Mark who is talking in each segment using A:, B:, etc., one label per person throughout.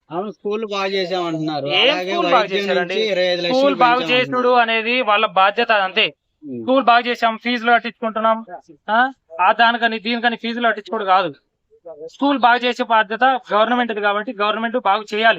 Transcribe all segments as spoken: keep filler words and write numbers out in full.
A: అవును, స్కూల్ బాగా చేసామంటున్నారు.
B: ఏం
A: అలాగే
B: స్కూల్ బాగా
A: వైద్యం
B: చేశారండి?
A: నుంచి ఇరవై ఐదు
B: స్కూల్
A: లక్షలు
B: బాగు
A: పెంచామంటున్నారు.
B: చేసుడు అనేది వాళ్ళ బాధ్యత, అంతే.
A: ఉమ్.
B: స్కూల్ బాగా చేసాం, ఫీజులు కట్టించుకుంటున్నాం, ఆ ఆ దానికని దీనికని ఫీజులు కట్టించుకోడు కాదు. స్కూల్ బాగా చేసే బాధ్యత గవర్నమెంట్ కాబట్టి గవర్నమెంట్ బాగు చేయాలి.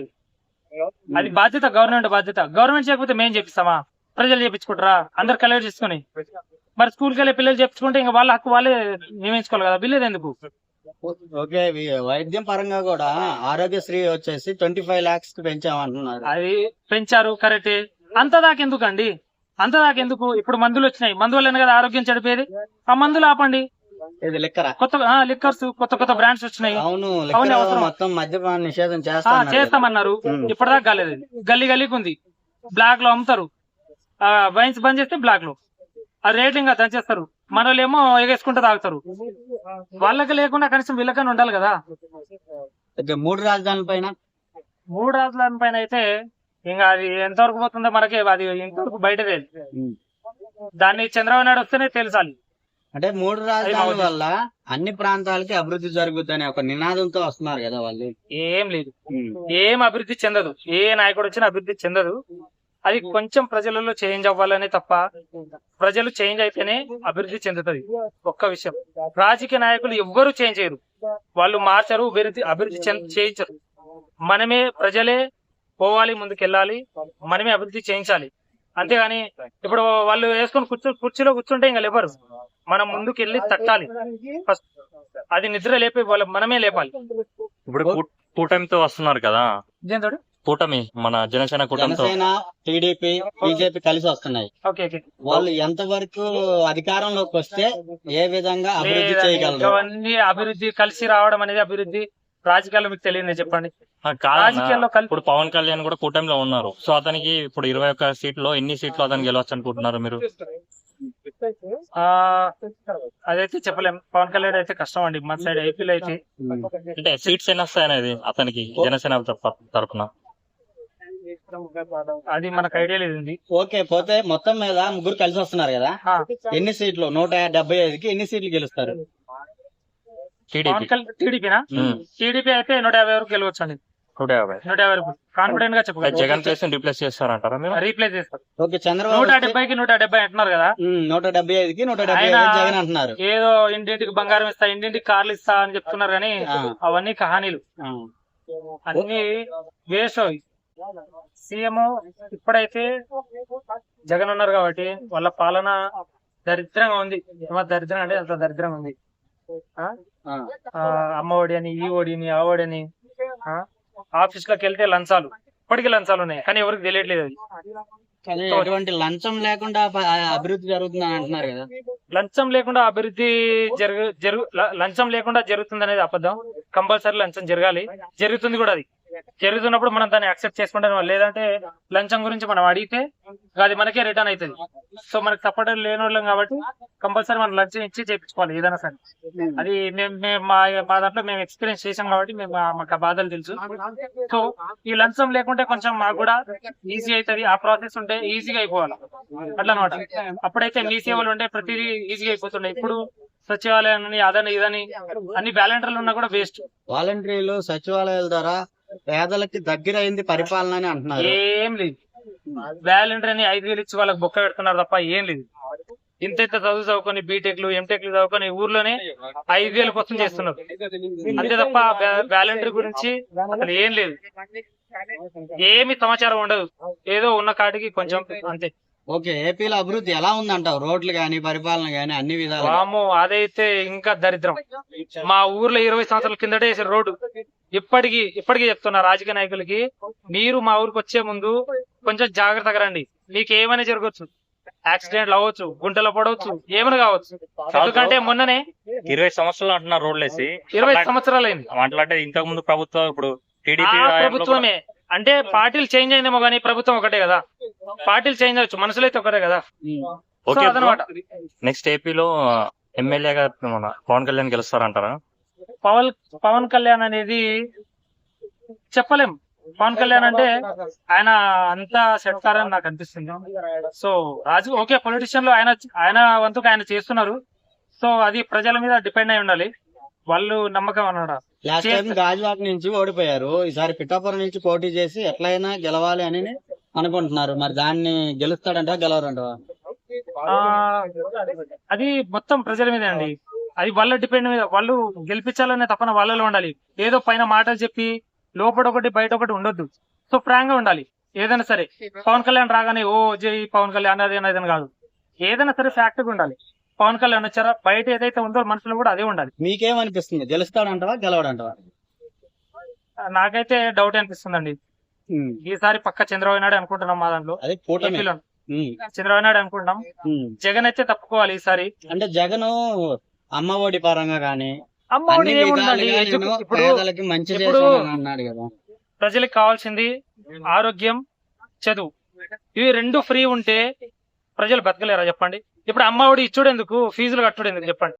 B: అది బాధ్యత, గవర్నమెంట్ బాధ్యత. గవర్నమెంట్ చేయకపోతే మేం చేపిస్తామా? ప్రజలు చేపించుకుంటారా అందరు కలెక్ట్ చేసుకుని? మరి స్కూల్కి వెళ్ళే పిల్లలు చెప్పుకుంటే ఇంకా వాళ్ళ హక్కు వాళ్ళే నియమించుకోవాలి కదా, బిల్లు ఎందుకు?
A: ఓకే, వి- వైద్యం పరంగా కూడా ఆరోగ్యశ్రీ వచ్చేసి ట్వంటీ ఫైవ్ లాక్స్ కి పెంచామంటున్నారు.
B: అది పెంచారు కరెక్టే. అంత దాకెందుకండి? అంత దాకెందుకు? ఇప్పుడు మందులు వచ్చినాయి, మందు వల్లనే కదా ఆరోగ్యం చెడిపోయేది. ఆ మందులు ఆపండి.
A: ఇది లిక్కరా?
B: కొత్త లిక్కర్స్, కొత్త కొత్త బ్రాండ్స్ వచ్చినాయి.
A: అవును,
B: అవన్నీ
A: లిక్కర్
B: అవసరం.
A: మొత్తం మద్యపాన నిషేధం
B: ఆ
A: చేస్తామన్నారు.
B: చేస్తామన్నారు,
A: ఉమ్.
B: ఇప్పటిదాకా కాలేదు. గల్లీ గల్లీకి ఉంది, బ్లాక్ లో అమ్ముతారు. ఆ వైన్స్ బంద్ చేస్తే బ్లాక్ లో ఆ రేటింగ్ దంచేస్తారు. మన వాళ్ళేమో ఎగేసుకుంటూ తాగుతారు. వాళ్ళకి లేకుండా కనీసం వీళ్ళకన్నా ఉండాలి కదా.
A: ఓకే, మూడు రాజధానుల పైన
B: మూడు రాజధానుల పైన అయితే ఇంకా అది ఎంతవరకు పోతుందో మనకి అది ఇంతవరకు బయటదే.
A: ఉమ్.
B: దాన్ని చంద్రబాబు నాయుడు వస్తేనే తెలుసాలి.
A: అంటే మూడు రాజధానుల
B: అవును.
A: వల్ల అన్ని ప్రాంతాలకి అభివృద్ధి జరుగుతుందనే ఒక నినాదంతో వస్తున్నారు కదా వాళ్ళు.
B: ఏం లేదు,
A: ఉమ్.
B: ఏం అభివృద్ధి చెందదు. ఏ నాయకుడు వచ్చినా అభివృద్ధి చెందదు. అది కొంచెం ప్రజలలో చేంజ్ అవ్వాలనే తప్ప, ప్రజలు చేంజ్ అయితేనే అభివృద్ధి చెందుతుంది. ఒక్క విషయం, రాజకీయ నాయకులు ఎవ్వరూ చేంజ్ చేయరు, వాళ్ళు మార్చరు, అభివృద్ధి అభివృద్ధి చెంద- చేయించరు. మనమే ప్రజలే పోవాలి, ముందుకెళ్ళాలి, మనమే అభివృద్ధి చేయించాలి. అంతేగాని ఇప్పుడు వాళ్ళు వేసుకొని కూర్చో కుర్చీలో కూర్చుంటే ఇంకా లేవరు. మనం ముందుకు వెళ్ళి తట్టాలి ఫస్ట్. అది నిద్ర లేపే వాళ్ళ మనమే లేపాలి.
C: ఇప్పుడు కూ- కూటమితో వస్తున్నారు కదా,
B: దీంతో
C: కూటమి మన జనసేన కూటమితో
A: జనసేన, టీడీపీ, బీజేపీ కలిసి వస్తున్నాయి.
B: ఓకే ఓకే
A: వాళ్ళు ఎంత వరకు అధికారంలోకి వస్తే ఏ విధంగా అభివృద్ధి
B: లేదండి,
A: చేయగలరు?
B: అవన్నీ అభివృద్ధి కలిసి రావడం అనేది అభివృద్ధి. రాజకీయాల్లో మీకు తెలియదు చెప్పండి.
C: ఆ, కాదన్నా.
B: రాజకీయాల్లో కలిసి
C: ఇప్పుడు పవన్ కళ్యాణ్ కూడా కూటమిలో ఉన్నారు. సో అతనికి ఇప్పుడు ఇరవై ఒక్క సీట్లో ఎన్ని సీట్లు అతనికి గెలవచ్చు అనుకుంటున్నారు మీరు?
B: ఆ అదైతే చెప్పలేం. పవన్ కళ్యాణ్ అయితే కష్టం అండి, మన సైడ్ ఏపీలో అయితే.
A: ఉమ్.
C: అంటే సీట్స్ ఎన్ని వస్తాయి అనేది అతనికి జనసేన తరఫ- తరపున
B: అది మనకు ఐడియా లేదు.
A: ఓకే, పోతే మొత్తం మీద ముగ్గురు కలిసి వస్తున్నారు కదా, ఎన్ని సీట్లు? నూట డెబ్బై ఐదుకి ఎన్ని సీట్లు గెలుస్తారు?
C: టీడీపీ
B: పవన్ కళ్యాణ్ టీడీపీనా? టీడీపీ అయితే నూట యాభై వరకు గెలవచ్చు అండి.
C: నూట యాభై
B: నూట యాభై వరకు కాన్ఫిడెంట్ గా చెప్పగలను.
C: జగన్ ప్లేస్ రిప్లేస్ చేస్తారంటారా మీరు?
B: రీప్లేస్ చేస్తారు.
A: ఓకే, చంద్రబాబు
B: నూట
A: వస్తే-
B: డెబ్బైకి నూట డెబ్బై అంటున్నారు కదా.
A: ఉమ్, నూట డెబ్బై ఐదుకి నూట డెబ్బై
B: ఆయన
A: ఐదు జగన్ అంటున్నారు.
B: ఏదో ఇంటింటికి బంగారం ఇస్తా, ఇంటింటికి కార్లు ఇస్తా అని చెప్తున్నారు కానీ
A: ఆ.
B: అవన్నీ కహానీలు,
A: ఆ.
B: అన్ని వేస్ట్. సీఎం ఇప్పుడైతే జగన్ ఉన్నారు కాబట్టి వాళ్ళ పాలన దరిద్రంగా ఉంది. ఏమో దరిద్రం అంటే అంత దరిద్రంగా ఉంది. ఆ?
A: ఆ.
B: ఆ, అమ్మ ఒడి అని, ఈ ఒడిని, ఆ ఒడిని, ఆఫీస్ లోకి వెళ్తే లంచాలు, ఇప్పటికీ లంచాలు ఉన్నాయి కానీ ఎవరికి తెలియట్లేదు. అది
A: కానీ ఎటువంటి లంచం లేకుండా ప- అభివృద్ధి జరుగుతుందని అంటున్నారు కదా.
B: లంచం లేకుండా అభివృద్ధి జరుగు జరుగు ల- లంచం లేకుండా జరుగుతుంది అనేది అబద్ధం. కంపల్సరీ లంచం జరగాలి, జరుగుతుంది కూడా. అది జరుగుతున్నప్పుడు మనం దాన్ని యాక్సెప్ట్ చేసుకుంటాం. లేదంటే లంచం గురించి మనం అడిగితే అది మనకే రిటర్న్ అవుతుంది. సో మనకి సపోర్ట్ లేని వాళ్ళం కాబట్టి కంపల్సరీ మనం లంచం ఇచ్చి చేయించుకోవాలి ఏదైనా సరే. అది మేము మేము మా మా దాంట్లో మేము ఎక్స్పీరియన్స్ చేసాం కాబట్టి మేము మా- మాకు ఆ బాధలు తెలుసు. సో ఈ లంచం లేకుంటే కొంచెం మాకు కూడా ఈజీ అవుతుంది. ఆ ప్రాసెస్ ఉంటే ఈజీగా అయిపోవాలి అట్లా అనమాట. అప్పుడైతే మీ సేవలు ఉంటే ప్రతిదీ ఈజీగా అయిపోతుండే. ఇప్పుడు సచివాలయాన్ని అదని ఇదని అన్ని బ్యాలెంటర్లు ఉన్నా కూడా వేస్ట్.
A: వాలంటీర్లు సచివాలయాల ద్వారా పేదలకి దగ్గర అయింది పరిపాలన అని అంటున్నారు.
B: ఏం లేదు, వాలంటీర్ అని ఐదు వేలు ఇచ్చి వాళ్ళకి బొక్క పెడుతున్నారు తప్ప ఏం లేదు. ఇంత ఇంత చదువు చదువుకొని బీటెక్లు ఎంటెక్లు చదువుకొని ఊర్లోనే ఐదు వేల కోసం చేస్తున్నారు అంతే తప్ప వాలంటీర్ గురించి అసలు ఏం లేదు. ఏమి సమాచారం ఉండదు, ఏదో ఉన్న కాడికి కొంచెం అంతే.
A: ఓకే, ఏపీలో అభివృద్ధి ఎలా ఉందంటావు? రోడ్లు గాని, పరిపాలన గాని, అన్ని విధాలు.
B: వాము అదైతే ఇంకా దరిద్రం. మా ఊర్లో ఇరవై సంవత్సరాల కిందటే వేసిన రోడ్డు ఇప్పటికి ఇప్పటికీ చెప్తున్నా రాజకీయ నాయకులకి, మీరు మా ఊరికి వచ్చే ముందు కొంచెం జాగ్రత్తగా రండి. మీకు ఏమైనా జరగవచ్చు, యాక్సిడెంట్లు అవ్వచ్చు, గుంటలో పడవచ్చు, ఏమైనా కావచ్చు. ఎందుకంటే మొన్ననే
C: ఇరవై సంవత్సరాలు అంటున్నారు రోడ్లు వేసి.
B: ఇరవై సంవత్సరాలు అయింది.
C: అంటే ఇంతకు ముందు ప్రభుత్వం, ఇప్పుడు
B: ఆ
C: టీడీపీ
B: ప్రభుత్వమే అంటే పార్టీలు చేంజ్ అయిందేమో కానీ ప్రభుత్వం ఒకటే కదా. పార్టీలు చేంజ్ అవ్వచ్చు, మనుషులు అయితే ఒకటే కదా. So
C: okay.
B: అదనమాట.
C: నెక్స్ట్ ఏపీలో ఎమ్మెల్యేగా మన పవన్ కళ్యాణ్ గెలుస్తారంటారా?
B: పవన్ పవన్ కళ్యాణ్ అనేది చెప్పలేం. పవన్ కళ్యాణ్ అంటే ఆయన అంతా సెట్కారని నాకు అనిపిస్తుంది. సో రాజు ఓకే, పొలిటిషియన్ లో ఆయన ఆయన వంతుకు ఆయన చేస్తున్నారు. సో అది ప్రజల మీద డిపెండ్ అయి ఉండాలి. వాళ్ళు నమ్మకం అన్నాడు.
A: లాస్ట్ టైం గాజువాక నుంచి ఓడిపోయారు, ఈసారి పిఠాపురం నుంచి పోటీ చేసి ఎట్లయినా గెలవాలి అని అనుకుంటున్నారు. మరి దాన్ని గెలుస్తాడంట గెలవరంట?
B: ఆ అది మొత్తం ప్రజల మీదే అండి. అది వాళ్ళ డిపెండ్ మీద, వాళ్ళు గెలిపించాలనే తపన వాళ్ళలో ఉండాలి. ఏదో పైన మాటలు చెప్పి లోపల ఒకటి బయట ఒకటి ఉండొద్దు. సో ఫ్రాంక్ గా ఉండాలి ఏదైనా సరే. పవన్ కళ్యాణ్ రాగానే ఓ జై పవన్ కళ్యాణ్ అది అనేది కాదు, ఏదైనా సరే ఫ్యాక్ట్ గా ఉండాలి. పవన్ కళ్యాణ్ వచ్చారా, బయట ఏదైతే ఉందో మనసులో కూడా అదే ఉండాలి.
A: మీకేమనిపిస్తుంది, గెలుస్తాడంటవా గెలవడంటవా?
B: నాకైతే డౌట్ అనిపిస్తుందండి.
A: ఉమ్.
B: ఈసారి పక్క చంద్రబాబు నాయుడు అనుకుంటున్నాం. మా దాంట్లో
A: అదే కూటమి.
B: ఏపీలో
A: ఉమ్.
B: చంద్రబాబు నాయుడు అనుకుంటున్నాం.
A: ఉమ్.
B: జగన్ అయితే తప్పుకోవాలి ఈసారి.
A: అంటే జగన్ అమ్మ ఒడి పరంగా గానీ
B: అమ్మ ఒడి
A: అన్ని
B: ఏముందండి,
A: విధాలుగా
B: ఎడ్యు-
A: నేను
B: ఇప్పుడు
A: పేదలకి మంచి
B: ఇప్పుడు-
A: చేశానని అన్నాడు కదా.
B: ప్రజలకు కావాల్సింది ఆరోగ్యం, చదువు. ఇవి రెండు ఫ్రీ ఉంటే ప్రజలు బతకలేరా చెప్పండి. ఇప్పుడు అమ్మ ఒడి ఇచ్చుడు ఎందుకు, ఫీజులు కట్టుడు ఎందుకు చెప్పండి.